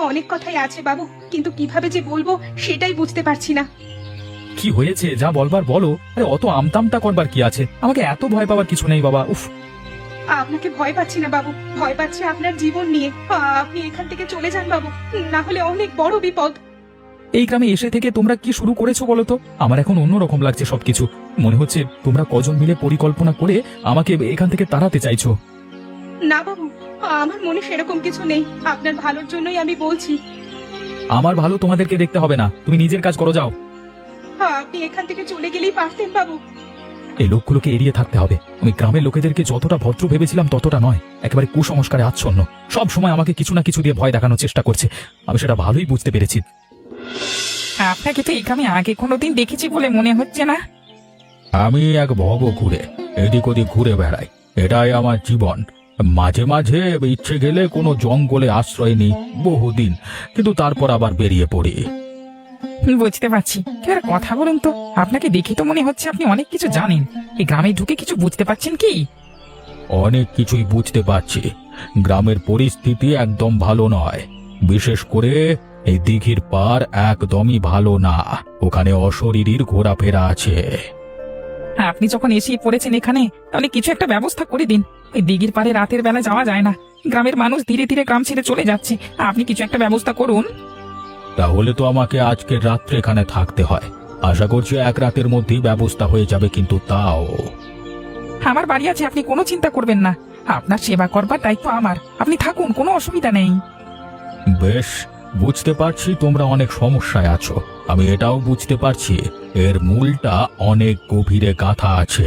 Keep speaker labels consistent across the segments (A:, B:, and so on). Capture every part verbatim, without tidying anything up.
A: অনেক কথাই আছে বাবু, কিন্তু কিভাবে যে বলবো সেটাই বুঝতে পারছি না।
B: কি হয়েছে যা বলবার বলো। আরে অত আমতামতা করবার কি আছে? আমাকে এত ভয় পাওয়ার কিছু নেই বাবা। উফ,
A: আপনাকে ভয় পাচ্ছি না বাবু, ভয় পাচ্ছি আপনার জীবন নিয়ে। আ, আপনি এখান থেকে চলে যান বাবু, না হলে অনেক বড় বিপদ।
B: এই গ্রামে এসে থেকে তোমরা কি শুরু করেছো বলো তো? আমার এখন অন্যরকম লাগছে সবকিছু। মনে হচ্ছে তোমরা কজন মিলে পরিকল্পনা করে আমাকে এখান থেকে তাড়াতে চাইছো।
A: না বাবু, আমার মনে সেরকম কিছু নেই, আপনার ভালোর জন্যই আমি বলছি।
B: আমার ভালো তোমাদেরকে দেখতে হবে না, তুমি নিজের কাজ করো, যাও।
A: আ, আপনি এখান থেকে চলে গেলেই পারতেন বাবু।
B: এই লোকগুলোকে এড়িয়ে থাকতে হবে। আমি গ্রামের লোকেদেরকে যতটা ভদ্র ভেবেছিলাম ততটা নয়, একেবারে কুসংস্কারে আচ্ছন্ন। সব সময় আমাকে কিছু না কিছু দিয়ে ভয় দেখানোর চেষ্টা করছে। আমি সেটা ভালোই বুঝতে পেরেছি।
C: আপনাকে তো এই গ্রামে আগে কোনোদিন দেখেছি বলে মনে হচ্ছে না।
B: আমি এক ভব ঘুরে এদিক ওদিক ঘুরে বেড়াই, এটাই আমার জীবন। মাঝে মাঝে ইচ্ছে গেলে কোনো জঙ্গলে আশ্রয় নিই বহুদিন, কিন্তু তারপর আবার বেরিয়ে পড়ি।
C: বুঝতে পারছি। এবার কথা বলুন তো, আপনাকে দেখে তো মনে হচ্ছে আপনি অনেক কিছু জানেন। এই গ্রামে ঢুকে কিছু বুঝতে পারছেন কি?
B: অনেক কিছুই বুঝতে পারছি। গ্রামের পরিস্থিতি একদম ভালো নয়, বিশেষ করে এই দিঘির পার একদমই ভালো না। ওখানে অশরীরীর ঘোরাফেরা আছে।
C: আপনি যখন এসেই পড়েছেন এখানে, তাহলে কিছু একটা ব্যবস্থা করে দিন। এই দিঘির পারে রাতের বেলা যাওয়া যায় না, গ্রামের মানুষ ধীরে ধীরে গ্রাম ছেড়ে চলে যাচ্ছে। আপনি কিছু একটা ব্যবস্থা করুন।
B: তাহলে তো আমাকে আজকে রাত্রে এখানে থাকতে হয়। আশা করছি এক রাতের মধ্যেই ব্যবস্থা হয়ে যাবে, কিন্তু তাও
C: আমার বাড়ি আছে, আপনি কোনো চিন্তা করবেন না। আপনার সেবা করবার দায়িত্ব আমার। আপনি থাকুন, কোনো অসুবিধা নেই।
B: বেশ, বুঝতে পারছি তোমরা অনেক সমস্যায় আছো। আমি এটাও বুঝতে পারছি এর মূলটা অনেক গভীরে গাঁথা আছে।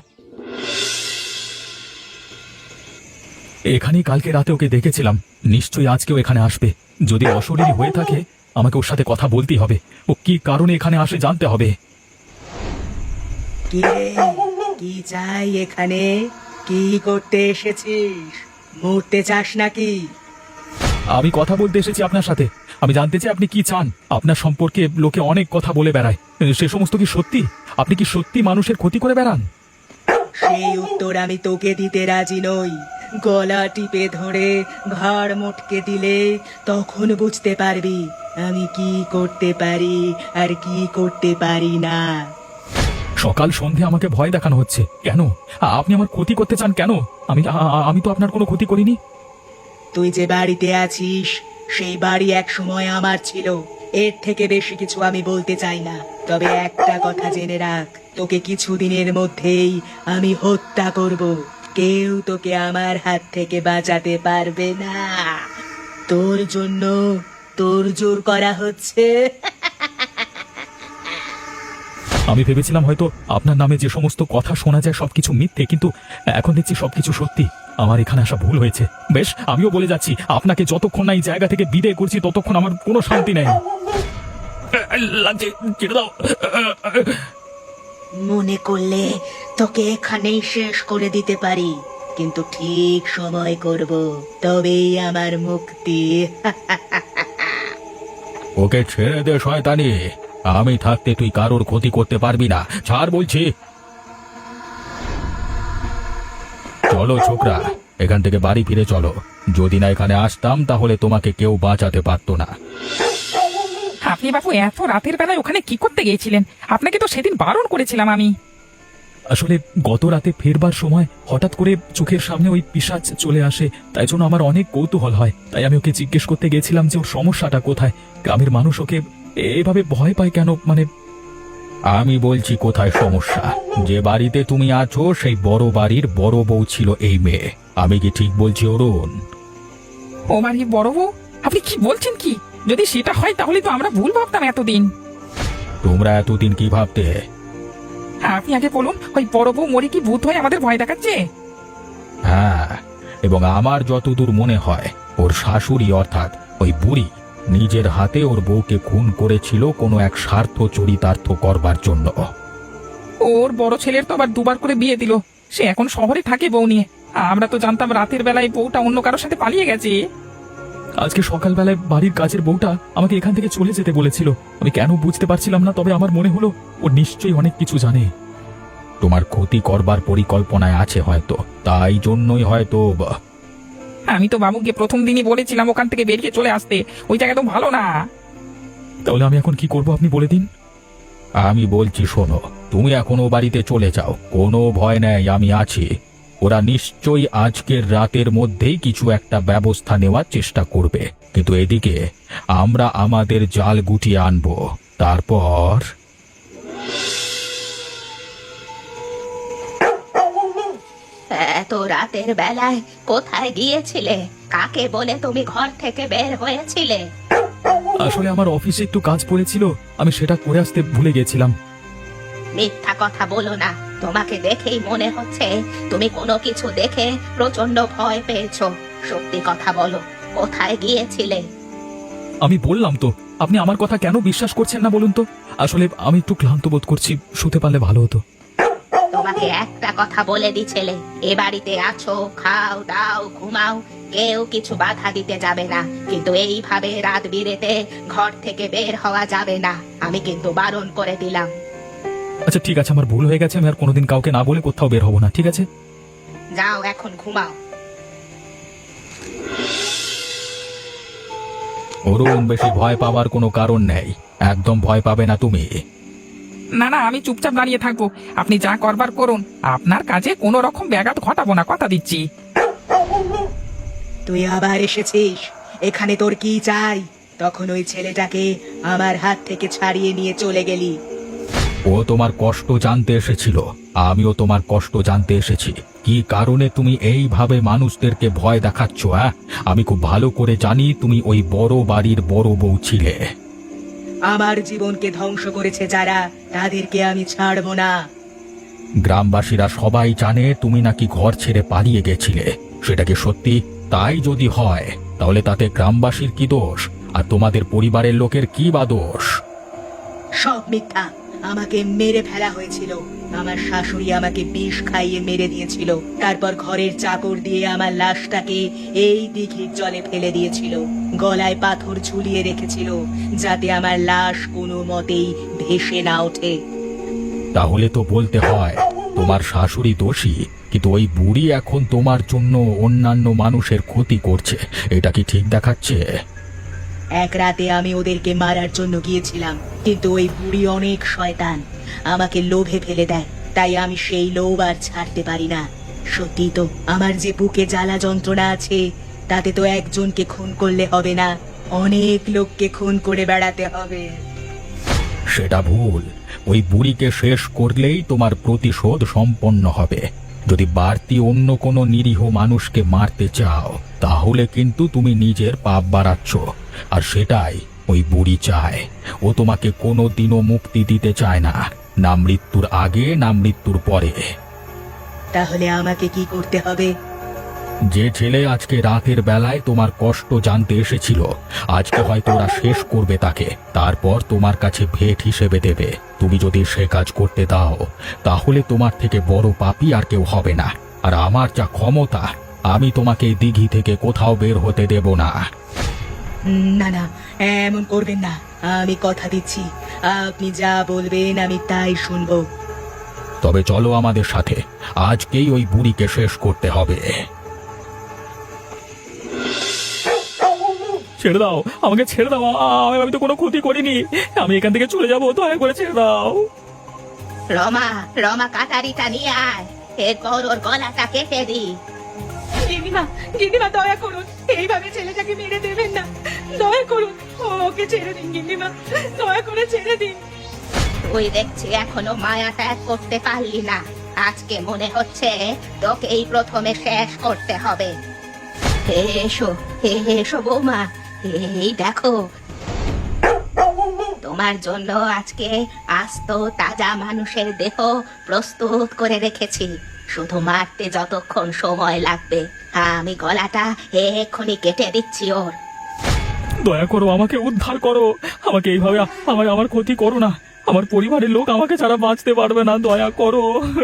B: এখানেই কালকে রাতে ওকে দেখেছিলাম, নিশ্চয়ই আজকেও এখানে আসবে। যদি অশরীরী হয়ে থাকে আমাকে ওর সাথে কথা বলতেই হবে। ও কি কারণে এখানে আসে জানতে হবে।
D: কি রে, কি চাই এখানে? কি করতে এসেছিস? মরতে চাস নাকি?
B: আমি কথা বলতে এসেছি আপনার সাথে। আমি জানতে চাই আপনি কি চান। আপনার সম্পর্কে লোকে অনেক কথা বলে বেড়ায়, সে সমস্ত কি সত্যি? আপনি কি সত্যি মানুষের ক্ষতি করে বেড়ান?
D: সেই উত্তর আমি তোকে দিতে রাজি নই। গলা টিপে ধরে ঘাড় মোটকে দিলে তখন বুঝতে পারবি আমি কি করতে পারি আর কি করতে পারি না।
B: সকাল সন্ধে আমাকে ভয় দেখানো হচ্ছে কেন? আপনি আমার ক্ষতি করতে চান কেন? আমি আ- আমি তো আপনার কোনো ক্ষতি করিনি।
D: তুই যে বাড়িতে আছিস সেই বাড়ি এক সময় আমার ছিল। এর থেকে বেশি কিছু আমি বলতে চাই না, তবে একটা কথা জেনে রাখ, তোকে কিছুদিনের মধ্যেই আমি হত্যা করব। কেউ তোকে আমার হাত থেকে বাঁচাতে পারবে না। তোর জন্য তোর জোর করা হচ্ছে।
B: আমি ভেবেছিলাম হয়তো আপনার নামে যে সমস্ত কথা শোনা যায় সবকিছু মিথ্যে, কিন্তু এখন দেখছি সবকিছু সত্যি। আমার এখানে আসা ভুল হয়েছে। বেশ, আমিও বলে যাচ্ছি, আপনাকে যতক্ষণ না এই জায়গা থেকে বিদায় করছি ততক্ষণ আমার কোনো শান্তি নেই। লাগছে, ছেড়ে দাও।
D: মনে করলে তোকে এখানেই শেষ করে দিতে পারি, কিন্তু ঠিক সময় করব, তবেই আমার মুক্তি।
B: ওকে ছেড়ে দে শয়তানি। আমি থাকতে তুই কারোর ক্ষতি করতে পারবি না। ছাড় বলছি। চলো ছোকরা, এখান থেকে বাড়ি ফিরে চলো। যদি না এখানে আসতাম তাহলে তোমাকে কেউ বাঁচাতে পারতো না।
C: আপনি বাবু এত রাতের বেলায় ওখানে কি করতে গিয়েছিলেন? আপনাকে তো সেদিন বারণ করেছিলাম আমি।
B: আসলে গত রাতে ফেরবার সময় হঠাৎ করে চোখের সামনে ওই পিশাচ চলে আসে, তাই জন্য আমার অনেক কৌতূহল হয়। তাই আমি ওকে জিজ্ঞেস করতে গেছিলাম যে ওর সমস্যাটা কোথায়, গ্রামের মানুষ ওকে এভাবে ভয় পায় কেন। মানে আমি বলছি কোথায় সমস্যা। যে বাড়িতে তুমি আছো সেই বড় বাড়ির বড় বউ ছিল এই মেয়ে। আমি কি ঠিক বলছি অরুণ?
C: ও বাড়ি বড় বউ? আপনি কি বলছেন কি? যদি সেটা হয় তাহলে তো আমরা ভুল ভাবতাম এতদিন।
B: তোমরা এতদিন কি ভাবতে?
C: আপনি আগে বলুন, ওই বড় বউ মরে কি ভূত হয়ে আমাদের ভয় দেখাচ্ছে?
B: হ্যাঁ, এবং আমার যতদূর মনে হয় ওর শাশুড়ি অর্থাৎ ওই বুড়ি নিজের হাতে ওর বউকে খুন করেছিল কোনো এক স্বার্থ চরিতার্থ করবার জন্য।
C: ওর বড় ছেলের তো আবার দুবার করে বিয়ে দিল, সে এখন শহরে থাকে বউ নিয়ে। আমরা তো জানতাম রাতের বেলায় বউটা অন্য কারোর সাথে পালিয়ে গেছে।
B: আজকে সকালবেলায় বাড়ির কাজের বউটা আমাকে এখান থেকে চলে যেতে বলেছিল। আমি কেন বুঝতে পারছিলাম না, তবে আমার মনে হলো ও নিশ্চয়ই অনেক কিছু জানে। তোমার ক্ষতি করবার পরিকল্পনায় আছে হয়তো, তাই জন্যই হয়তো।
C: আমি তো বাবুকে প্রথম দিনই বলেছিলাম ওখান থেকে বেরিয়ে চলে আসতে, ওই জায়গা তো ভালো না।
B: তাহলে আমি এখন কি করব আপনি বলে দিন।
E: আমি বলছি শোনো, তুমি এখনো বাড়িতে চলে যাও, কোনো ভয় নেই, আমি আছি। ওরা নিশ্চয়ই আজকের রাতের মধ্যেই কিছু একটা ব্যবস্থা নেওয়ার চেষ্টা করবে, কিন্তু এদিকে আমরা আমাদের জাল গুটিয়ে আনবো। তারপর
F: এত রাতের বেলায় কোথায় গিয়েছিলে? কাকে বলে তুমি ঘর থেকে বের হয়েছিলে?
B: আসলে আমার অফিসে একটু কাজ পড়েছিল, আমি সেটা করে আসতে ভুলে গেছিলাম।
F: মিথ্যা কথা বলো না, তোমাকে দেখেই মনে হচ্ছে তুমি কোনো কিছু দেখে প্রচন্ড ভয় পেয়েছো। সত্যি কথা বলো, কোথায় গিয়েছিলে?
B: আমি বললাম তো, আপনি আমার কথা কেন বিশ্বাস করছেন না বলুন তো? আসলে আমি একটু ক্লান্ত বোধ করছি, শুতে পারলে ভালো হতো।
F: তোমাকে একটা কথা বলে দিছিলে, এ বাড়িতে আছো, খাও দাও ঘুমাও, কেউ কিছু বাধা দিতে যাবে না, কিন্তু এইভাবে রাত বিরেতে ঘর থেকে বের হওয়া যাবে না। আমি কিন্তু বারণ করে দিলাম।
B: আচ্ছা ঠিক আছে, আমার ভুল হয়ে গেছে, আমি আর কোনোদিন কাউকে না বলে কোথাও বের হবো না, ঠিক আছে?
F: যাও এখন ঘুমাও।
E: অরুণ, বেশি ভয় পাওয়ার কোনো কারণ নেই, একদম ভয় পাবে না তুমি।
C: না না, আমি চুপচাপ দাঁড়িয়ে থাকবো, আপনি যা করবার করুন, আপনার কাজে কোনো রকম ব্যাঘাত ঘটাবো না, কথা দিচ্ছি।
D: তুই আবার এসেছিস, এখানে তোর কি চাই? তখন ওই ছেলেটাকে আমার হাত থেকে ছাড়িয়ে নিয়ে চলে গেলি।
E: ও তোমার কষ্ট জানতে এসেছিল, আমিও তোমার কষ্ট জানতে এসেছি। কি কারণে তুমি এইভাবে মানুষদেরকে ভয় দেখাচ্ছ? হ্যাঁ, আমি খুব ভালো করে জানি তুমি ওই বড় বাড়ির বড় বউ ছিলে।
D: আমার জীবনকে ধ্বংস করেছে যারা, তাদেরকে আমি ছাড়বো না।
E: গ্রামবাসীরা সবাই জানে তুমি নাকি ঘর ছেড়ে পালিয়ে গেছিলে, সেটা কি সত্যি? তাই যদি হয় তাহলে তাতে গ্রামবাসীর কি দোষ, আর তোমাদের পরিবারের লোকের কি বা দোষ?
D: সব মিথ্যা। আমাকে মেরে ফেলা হয়েছিল, আমার শাশুড়ি আমাকে বিষ খাইয়ে মেরে দিয়েছিল, তারপর ঘরের চাকর দিয়ে আমার লাশটাকে এই দিঘির জলে ফেলে দিয়েছিল, গলায় পাথর ঝুলিয়ে রেখেছিল যাতে আমার লাশ কোনো মতেই ভেসে না ওঠে।
E: তাহলে তো বলতে হয় তোমার শাশুড়ি দোষী, কিন্তু ওই বুড়ি এখন তোমার জন্য অন্যান্য মানুষের ক্ষতি করছে, এটা কি ঠিক দেখাচ্ছে?
D: এক রাতে আমি ওদেরকে মারার জন্য গিয়েছিলাম, কিন্তু ওই বুড়ি অনেক শয়তান, আমাকে লোভে ফেলে দেয়, তাই আমি সেই লোভ আর ছাড়তে পারি না। সত্যি তো, আমার যে বুকে জ্বালা যন্ত্রণা আছে, তাতে তো একজনকে খুন করলে হবে না, অনেক লোককে খুন করে বেড়াতে হবে।
E: সেটা ভুল, ওই বুড়িকে শেষ করলেই তোমার প্রতিশোধ সম্পন্ন হবে। যদি বাড়তি অন্য কোনো নিরীহ মানুষকে মারতে চাও তাহলে কিন্তু তুমি নিজের পাপ বাড়াচ্ছ, আর সেটাই ওই বুড়ি চায়। ও তোমাকে কোনো দিনও মুক্তি দিতে চায় না, না মৃত্যুর আগে না মৃত্যুর পরে।
D: তাহলে আমাকে কি করতে হবে?
E: যে ছেলে আজকে রাতের বেলায় তোমার কষ্ট জানতে এসেছিল, আজকে হয়তো ওরা শেষ করবে তাকে, তারপর তোমার কাছে ভেট হিসেবে দেবে। তুমি যদি সে কাজ করতে দাও তাহলে তোমার থেকে বড় পাপী আর কেউ হবে না, আর আমার যা ক্ষমতা, আমি তোমাকে এই দিঘি থেকে কোথাও বের হতে দেব না।
D: না না, এমন করবেন না, আমি কথা দিচ্ছি, আপনি যা বলবেন আমি তাই শুনবো।
E: তবে চলো আমাদের সাথে, আজকেই ওই বুড়িকে শেষ করতে হবে।
B: ছেড়ে দাও, আমাকে ছেড়ে দাও, আমি আমি তো কোনো ক্ষতি করিনি, আমি এখান থেকে চলে যাবো, দয়া করে ছেড়ে দাও।
F: রমা, রমা কাটারিটা নিয়ে আয়, এরপর ওর গলাটা কেটে দি।
A: গিন্নিমা, গিন্নিমা দয়া করুন, এইভাবে ছেলেটাকে মেরে দেবেন না, দয়া করুন, ওকে ছেড়ে দিন গিন্নিমা, দয়া করে ছেড়ে দিন।
F: তুই দেখছি এখনো মায়া ত্যাগ করতে পারলি না, আজকে মনে হচ্ছে তোকে এই প্রথমে শেষ করতে হবে। এসো এসো বৌমা, এই দেখো তোমার জন্য আজকে আস্ত তাজা মানুষের দেহ প্রস্তুত করে রেখেছি, শুধু মারতে যতক্ষণ সময় লাগবে, আমি গলাটা এক্ষুনি কেটে দিচ্ছি ওর।
B: দয়া করো, আমাকে উদ্ধার করো, আমাকে এইভাবে আমার আমার ক্ষতি করো না, আমার পরিবারের লোক আমাকে ছাড়া বাঁচতে পারবে না, দয়া করো।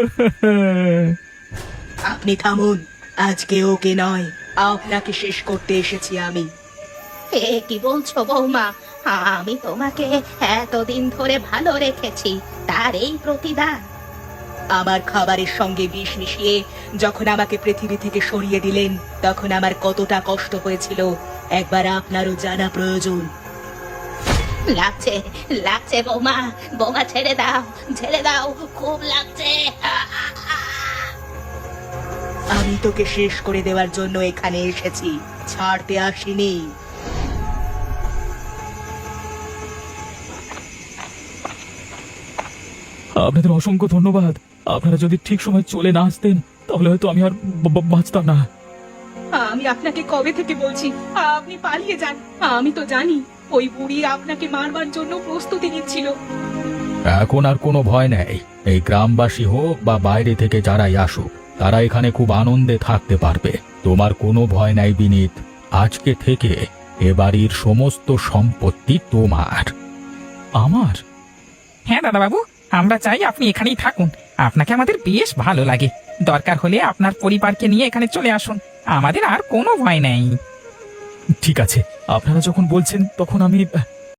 D: আপনি থামুন, আজকে ওকে নয়, আপনাকে শেষ করতে এসেছি আমি।
F: এ কি বলছো বৌমা? আমি তোমাকে এতদিন ধরে ভালো রেখেছি, তার এই প্রতিদান?
D: আমার খাবারের সঙ্গে বিষ মিশিয়ে যখন আমাকে পৃথিবী থেকে সরিয়ে দিলেন তখন আমার কতটা কষ্ট হয়েছিল একবার আপনারও জানা প্রয়োজন।
F: লাগছে লাগছে বৌমা, বৌমা ছেড়ে দাও, ছেড়ে দাও, খুব লাগছে।
D: আমি তোকে শেষ করে দেওয়ার জন্য এখানে এসেছি, ছাড়তে আসিনি।
B: আপনাদের অসংখ্য ধন্যবাদ। আপনারা যদি ঠিক সময় চলে না আসতেন তাহলে হয়তো আমি আর ব- ব- বাঁচতাম না।
A: আমি আপনাকে কবে থেকে বলছি আপনি পালিয়ে যান। আমি তো জানি ওই বুড়ি আপনাকে মারবার জন্য প্রস্তুতি নিচ্ছিল।
E: এখন আর কোনো ভয় নেই। এই গ্রামবাসী হোক বা বাইরে থেকে যারাই আসুক, তারা এখানে খুব আনন্দে থাকতে পারবে। তোমার কোনো ভয় নাই বিনীত। আজকে থেকে এ বাড়ির সমস্ত সম্পত্তি তোমার।
B: আমার?
C: হ্যাঁ দাদা বাবু, আমরা চাই আপনি এখানেই থাকুন। আপনাকে আমাদের বেশ ভালো লাগে। দরকার হলে আপনার পরিবারকে নিয়ে এখানে চলে আসুন, আমাদের আর কোনো ভয় নেই।
B: ঠিক আছে, আপনারা যখন বলছেন তখন আমি